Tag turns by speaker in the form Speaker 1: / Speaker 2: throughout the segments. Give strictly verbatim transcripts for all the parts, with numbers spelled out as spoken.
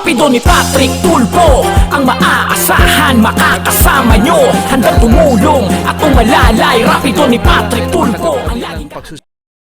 Speaker 1: Rapido ni Patrick Tulfo, ang maaasahan, makakasama nyo, handang tumulong at umalalay. Rapido ni Patrick Tulfo, ang laging
Speaker 2: pagsus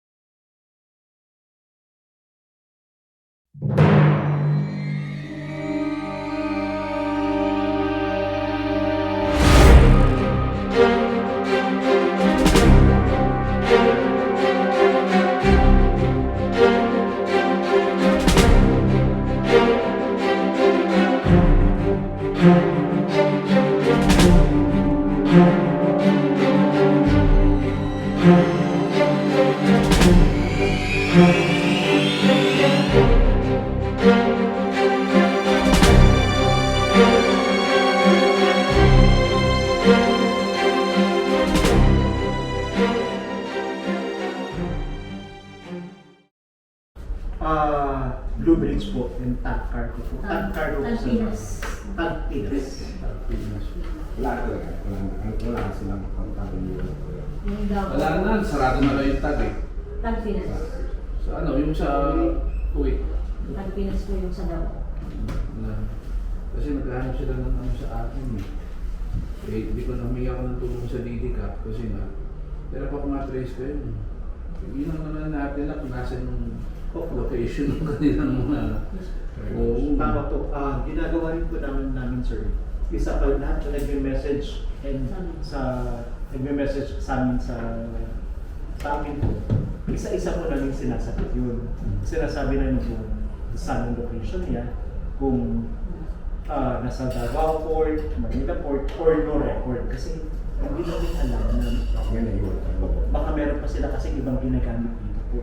Speaker 3: Ah, Blue Bridge po, yung tag cargo po. Tag cargo po sa
Speaker 4: Tagpinas.
Speaker 3: Tagpinas.
Speaker 5: Tagpinas. Wala talaga. Wala, wala silang pangkabili.
Speaker 4: Yung Davao.
Speaker 2: wala na, sarado na lang yung tag eh.
Speaker 4: Tagpinas.
Speaker 2: Sa ano, yung sa Kuwait.
Speaker 4: Tagpinas po yung sa Davao.
Speaker 2: Na, kasi naghahanap sila ng ano sa akin eh. Eh, hindi ko namiga ako ng tulong sa D D C A P kasi nga, pero pa kumatrace ko yun. Yun ang naman natin nila kung nasa yung location ng kanilang mga... Oo.
Speaker 3: Tama po. Ah, ginagawa rin po namin namin, sir. Isa pa lahat na nagme-message and sa nagme-message sa amin sa sa amin po. Isa-isa po namin sinasagot yun. Sinasabi namin kung saan ang location niya, kung ah, nasa Davao Port, Manila Port, or no record. Kasi hindi namin alam na
Speaker 5: Yan ay yun.
Speaker 3: baka meron pa sila kasi ibang ginagamit dito po.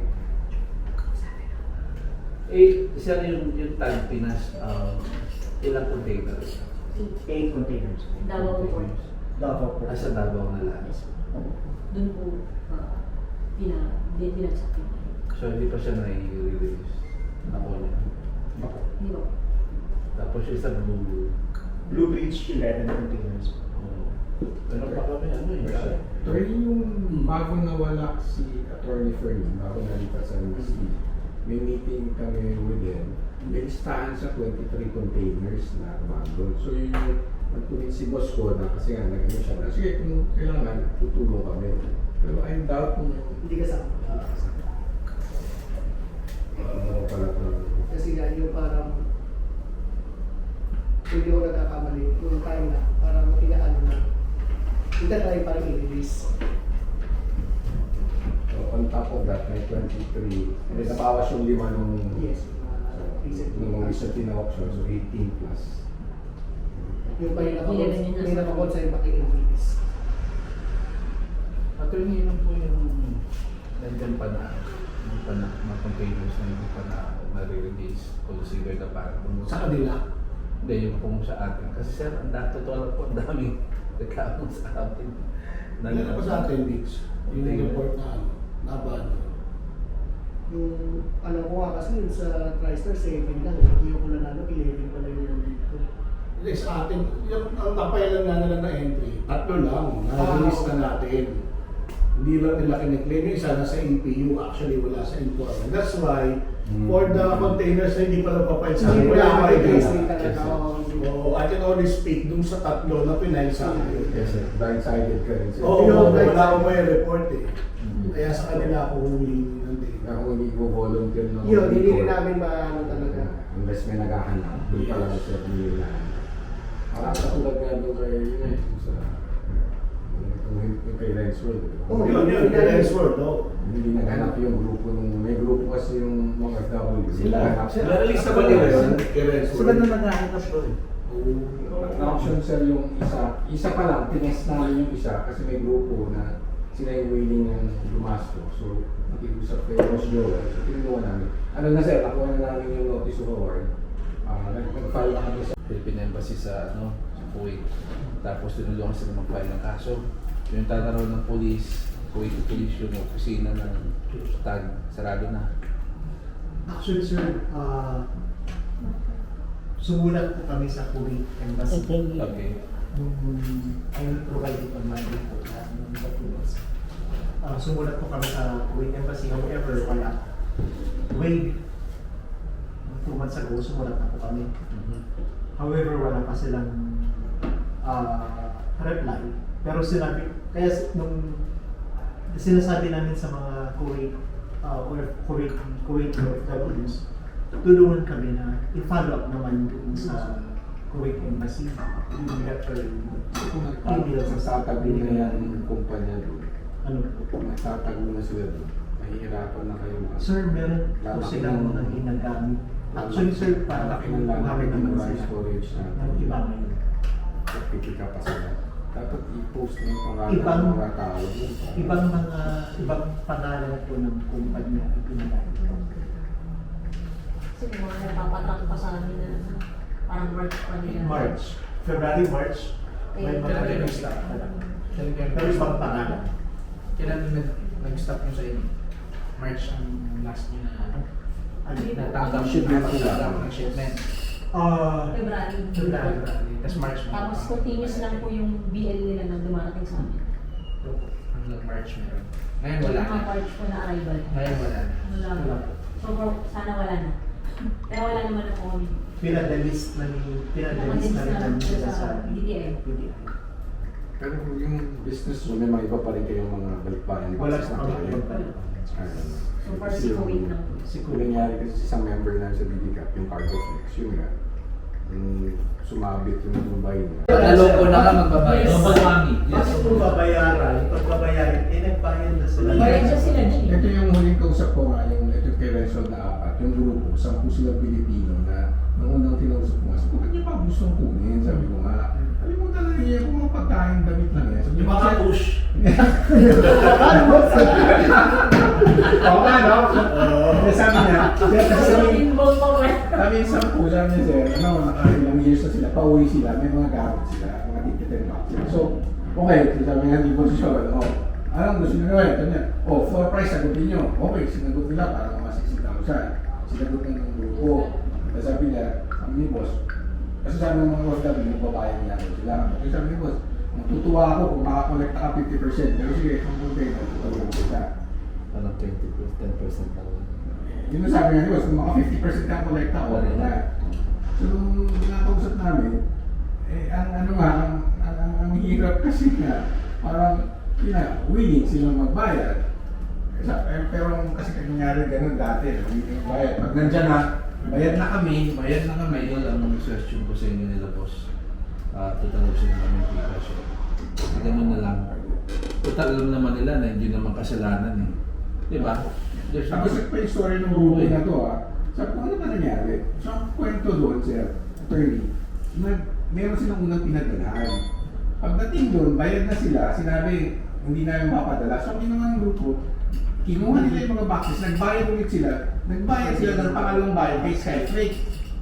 Speaker 2: Eh, isa yung, yung Tagpinas, uh, ilang containers?
Speaker 3: Eight containers.
Speaker 4: Davao po.
Speaker 3: Davao Port.
Speaker 2: Ah, sa Davao na lang.
Speaker 4: Doon po, uh, pina, di- pinagsak yun.
Speaker 2: So, hindi pa siya nai-release. Nako niya.
Speaker 4: Di ba?
Speaker 2: Tapos yung sa Blue.
Speaker 3: Blue Bridge, eleven containers.
Speaker 2: Oh. Meron pa kami, ano eh.
Speaker 5: Pero yung bago nawala si Attorney Fermin, bago nalipat sa M S C, may meeting kami with them. May listahan sa twenty-three containers na umandon. So yun yung nagpunit si boss ko na kasi nga nag-ano siya na, sige kung kailangan, tutulong kami. Pero I doubt kung
Speaker 6: Hindi kasama.
Speaker 5: ano pala ito.
Speaker 6: Kasi nga yung parang hindi ko nagkakamali yung time na parang inaano na hindi tayo parang i-release.
Speaker 5: So on top of that, may twenty-three. May nabawas yung lima nung
Speaker 6: Yes.
Speaker 5: nung recently na option, so eighteen plus.
Speaker 6: Yung pa yung
Speaker 4: Eleven yun na.
Speaker 6: may nakakot sa yung paki-release.
Speaker 2: Attorney, yun po yung nandyan pa na yung pa na mga containers na hindi pa na nare-release consider na parang
Speaker 6: Sa kanila.
Speaker 2: Hindi, yung kung sa atin. Kasi sir, ang dami, totoo lang po, ang daming reklamo sa atin.
Speaker 7: Meron pa sa atin, Dix. Yung report na ano, naban.
Speaker 6: Yung ano ko nga kasi yun sa TriStar seven lang. Hindi ko nanalo, eleven pala yung nandito.
Speaker 7: Hindi, sa atin, yung ang kapayalan nga nila na entry, tatlo lang, na-release na natin. Hindi lang nila kiniklaim yung isa nasa E P U, actually wala sa informant. That's why,
Speaker 5: Mm.
Speaker 7: for the containers na hindi pa nagpapayad sa
Speaker 6: Hindi
Speaker 7: akin,
Speaker 6: ko
Speaker 7: wala
Speaker 6: na
Speaker 7: pa
Speaker 6: i-release
Speaker 7: idea.
Speaker 6: din talaga. oo.
Speaker 7: So, I can only speak dun sa tatlo na pinail sa akin.
Speaker 5: Yes, sir. Blindsided ka rin, sir.
Speaker 7: Oo,
Speaker 6: Pero,
Speaker 7: wala akong may report eh.
Speaker 2: Mhm.
Speaker 7: Kaya sa kanila ako huli ng day.
Speaker 5: Na kung hindi ko volunteer ng
Speaker 6: Yun, hindi rin
Speaker 5: report,
Speaker 6: namin maano talaga.
Speaker 5: unless may naghahanap, doon pa lang sir hindi na. Parang katulad nga doon kay yun eh, yung sa yung yung kay Rensworld.
Speaker 6: Oo,
Speaker 7: Yun, yun,
Speaker 6: yun,
Speaker 7: kaya
Speaker 6: yun.
Speaker 7: is word, no?
Speaker 5: Hindi naghanap yung grupo nung may grupo kasi yung mga F W.
Speaker 3: Sila.
Speaker 5: Naghanap.
Speaker 2: Na-release na ba nila yun?
Speaker 3: Sila na naghahanap doon.
Speaker 5: Na-option sir yung isa. Isa pa lang, tinest namin yung isa kasi may grupo na sila yung willing ng lumasto. So, nakikusap kay Ross Joel. So, tinuwa namin. Ano na sir, nakuha na namin yung notice of award. Ah, nag- Nag-file na kami sa
Speaker 2: Philippine Embassy sa ano, sa Kuwait. Tapos tinulungan sila mag-file ng kaso. Yung tataraw ng police, Kuwait Police, yung opisina ng tag, sarado na.
Speaker 3: Actually, sir, ah sumulat po kami sa Kuwait Embassy.
Speaker 2: Okay.
Speaker 3: Nung I provided on my report lahat ng documents. Ah, sumulat po kami sa Kuwait Embassy. However, wala. Way to months ago, sumulat na po kami.
Speaker 2: Mhm.
Speaker 3: However, wala pa silang ah, reply. Pero sinabi, kaya s- nung sinasabi namin sa mga Kuwait, uh, or Kuwait, Kuwait O F Ws, tulungan kami na i-follow up naman doon sa Kuwait Embassy, yung letter,
Speaker 5: Kung
Speaker 3: email sa
Speaker 5: nagtatago na yan yung kumpanya doon,
Speaker 3: ano po.
Speaker 5: kung nagtatago na sila doon, mahihirapan na kayo. mga-
Speaker 3: Sir, meron po
Speaker 5: Lalaki
Speaker 3: silang
Speaker 5: ng-
Speaker 3: mga ginagamit. Actually, sir, para
Speaker 5: lalaki ng lalaki
Speaker 3: kuhamin
Speaker 5: ng
Speaker 3: naman
Speaker 5: mga
Speaker 3: sila
Speaker 5: storage na
Speaker 3: ng iba ngayon.
Speaker 5: Pagpipika pa sila. Dapat i-post na yung pangalan
Speaker 3: Ibang-
Speaker 5: ng mga tao.
Speaker 3: Ibang mga, ibang pangalan po ng kumpanya ang ginagamit.
Speaker 4: Kasi may mga napapatak pa sa amin na ano, parang March pa nila.
Speaker 3: March, February, March, may mga
Speaker 4: Kailan
Speaker 3: nag-stop na lang.
Speaker 8: Talagang
Speaker 3: Pero ibang pangalan.
Speaker 8: kailan nag nag-stop nyo sa inyo? March ang last nyo na
Speaker 3: Ano?
Speaker 8: natanggap
Speaker 5: Shipment
Speaker 8: natanggap
Speaker 5: sila.
Speaker 8: ng shipment.
Speaker 3: Ah,
Speaker 4: February.
Speaker 3: February.
Speaker 8: Tapos March mo.
Speaker 4: Tapos continuous lang po yung B L nila na dumarating sa amin.
Speaker 8: Hanggang March meron. Ngayon wala
Speaker 4: Yung
Speaker 8: na.
Speaker 4: mga March po na arrival.
Speaker 8: Ngayon wala na.
Speaker 4: Wala
Speaker 3: Wala
Speaker 4: po.
Speaker 3: po.
Speaker 4: So, for, sana wala na. Pero wala naman na po kami.
Speaker 3: pinadalis na ni pinadalis na rin namin sila sa
Speaker 4: D T I.
Speaker 3: D T I.
Speaker 5: Pero yung business mo, may mga iba pa rin kayong mga balikbayan.
Speaker 3: Wala
Speaker 5: business
Speaker 3: sa
Speaker 5: na
Speaker 3: kami
Speaker 5: kayo.
Speaker 3: pagpalit.
Speaker 5: Ayun.
Speaker 4: So, far si Kuwait lang po.
Speaker 3: Si
Speaker 5: Kung
Speaker 3: Kuya.
Speaker 5: nangyari kasi sa isang member namin sa B D C A P, yung Cargo Flex, yun nga, yung sumabit yung Dubai niya.
Speaker 2: Naloko na ka magbabayad.
Speaker 4: Yes.
Speaker 2: Double whammy.
Speaker 3: Yes. Kung babayaran, pag babayaran, eh nagbayad na sila.
Speaker 4: Bayad siya sila, G.
Speaker 5: Ito yung huling kausap ko nga, yung ito kay Renzo na apat, yung grupo, sampu silang Pilipino na nung unang tinausap ko nga, sabi ko, ba't niya pa gustong kunin? Sabi ko nga, alam mo talaga niya kung mga pagkain damit lang yan. Sabi
Speaker 7: Yung
Speaker 5: ko,
Speaker 7: mga
Speaker 5: "Sir,
Speaker 7: push.
Speaker 5: Oo nga, no? Kaya sabi niya, sir, kasi
Speaker 4: So,
Speaker 5: sabi,
Speaker 4: involved pa ba?
Speaker 5: sabi yung sampu, sabi niya, sir, ano, nakailang years na sila, pauwi sila, may mga gamit sila, mga ticket and box sila. So, okay, so sabi nga, hindi po siya, oh, anong gusto nyo gawin? Sabi niya, oh, floor price, sagutin nyo. Okay, sinagot nila para mga sixty thousand. Sinagot na ng grupo. Tapos sabi niya, sabi ni boss, kasi sabi ng mga boss namin, magbabayad niya ako sila. Kasi sabi ni boss, matutuwa ako kung makakolekta ka fifty percent. Pero sige, kung container, tutulungan ko siya.
Speaker 2: Parang twenty to ten percent lang.
Speaker 5: Yun ang sabi nga ni boss, kung maka fifty percent ka kolekta, okay na. So, nung nakausap namin, eh, ang ano nga, ang, ang, ang, ang hirap kasi nga, parang, yun na, willing silang magbayad. Eh, sa- eh, pero kasi nangyari ganun dati, willing magbayad. Pag nandyan na,
Speaker 2: Bayad na kami, bayad na kami. Yun ang suggestion ko sa inyo nila, boss. Ah, tatanggap sila namin yung cash. Ganun na lang. Total alam naman nila na hindi naman kasalanan eh. Di ba? There's
Speaker 5: Ang gusto pa yung story ng grupo na to ah. Sabi ko, ano ba nangyari? So, ang kwento doon, sir, attorney, nag, meron silang unang pinadalahan. Pagdating doon, bayad na sila, sinabi, hindi na yung mapadala. So, ang ginawa ng grupo, kinuha nila yung mga boxes, nagbayad ulit sila, nagbayad sila ng pangalawang bayad kay Skyflake.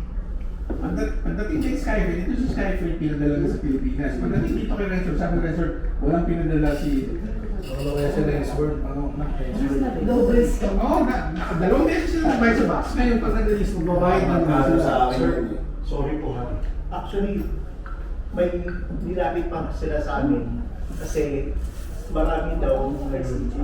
Speaker 5: Pagdat- Pagdating kay Skyflake, ito si Skyflake pinadala na sa Pilipinas. Pagdating dito kay Rensor, sabi ng Rensor, walang pinadala si...
Speaker 7: Ano kaya sila yung sword? Ano na?
Speaker 6: Double scam.
Speaker 5: Oo, na, na, dalawang beses sila nagbayad sa box. Ngayon, pag nag-release, magbabayad na naman
Speaker 7: Ano
Speaker 5: sila.
Speaker 7: sa akin
Speaker 3: Sir,
Speaker 7: yun eh.
Speaker 3: sorry po ha. Actually, may nilapit pa sila sa amin kasi marami daw nag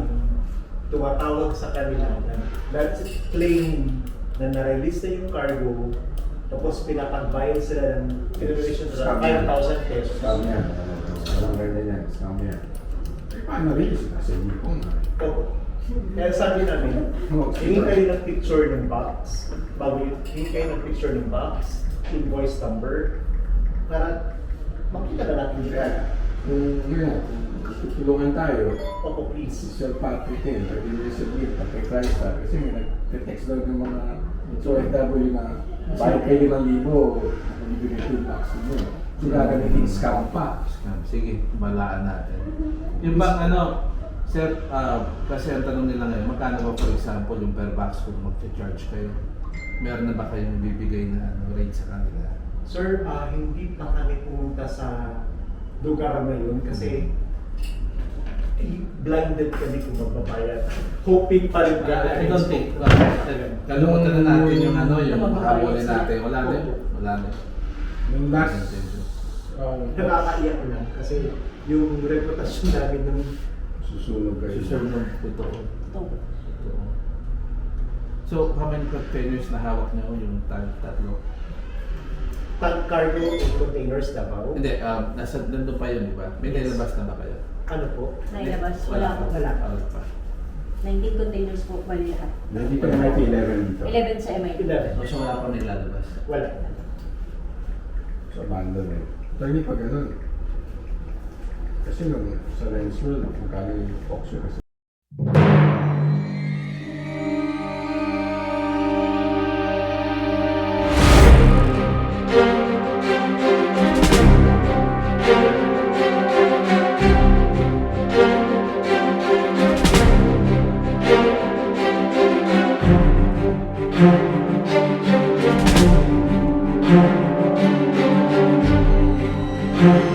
Speaker 3: tumatawag sa kanila na that's claim na na-release na yung cargo tapos pinapagbayad sila ng pinag-release
Speaker 5: Scam
Speaker 3: na
Speaker 5: yan.
Speaker 3: five thousand pesos.
Speaker 5: Scam yan. Walang ganyan yan. Scam yan. Eh, paano rin? Nasa uniform na.
Speaker 3: Opo. Kaya sabi namin,
Speaker 5: Oh,
Speaker 3: hingi kayo ng picture ng box, bago yun, hingi kayo ng picture ng box, invoice number, para makita na natin yung
Speaker 5: Kaya, kung yun nga, kung tutulungan tayo,
Speaker 3: Opo,
Speaker 5: si
Speaker 3: please.
Speaker 5: Sir Patrick din, pwede nyo submit pag kay Crystal. Kasi may nag-text daw ng mga O F W na bayad kayo limang libo, nabibigay two bucks nyo. So gagamitin scam pa.
Speaker 2: Scam. Sige, balaan natin. Yung bang ano, sir, ah, kasi ang tanong nila ngayon, magkano ba for example yung per box kung mag-charge kayo? Meron na ba kayong bibigay na ano, rate sa kanila?
Speaker 3: Sir, ah, hindi pa kami pumunta sa lugar na yun kasi eh, blinded kami kung magbabayad. Hoping pa rin
Speaker 2: I don't think. Kalimutan na natin yung ano, yung habulin natin. Wala din. Wala din.
Speaker 5: Yung last, um,
Speaker 3: Nakakaiyak lang kasi yung reputasyon namin ng
Speaker 5: susunog kayo.
Speaker 2: Si Sir ng totoo.
Speaker 4: Ito.
Speaker 2: Totoo. So, how many containers na hawak niyo yung tat- tatlo?
Speaker 3: Tank cargo and containers Davao.
Speaker 2: Hindi, um, nasa, nandun pa yun, di ba? May
Speaker 3: Yes.
Speaker 2: nilabas na ba kayo?
Speaker 3: Ano po?
Speaker 4: Nailabas,
Speaker 2: Wala
Speaker 4: wala
Speaker 2: pa.
Speaker 4: po.
Speaker 3: Wala.
Speaker 2: Wala pa.
Speaker 4: nineteen containers po bali lahat.
Speaker 5: Hindi pa naman eleven dito.
Speaker 4: eleven sa M I T.
Speaker 3: eleven.
Speaker 2: O, so wala pa nilalabas.
Speaker 3: Wala.
Speaker 5: So, abandon eh. Attorney, pag ganun. Kasi nung sa Lens World, magkano yung auction kasi.
Speaker 6: Thank you.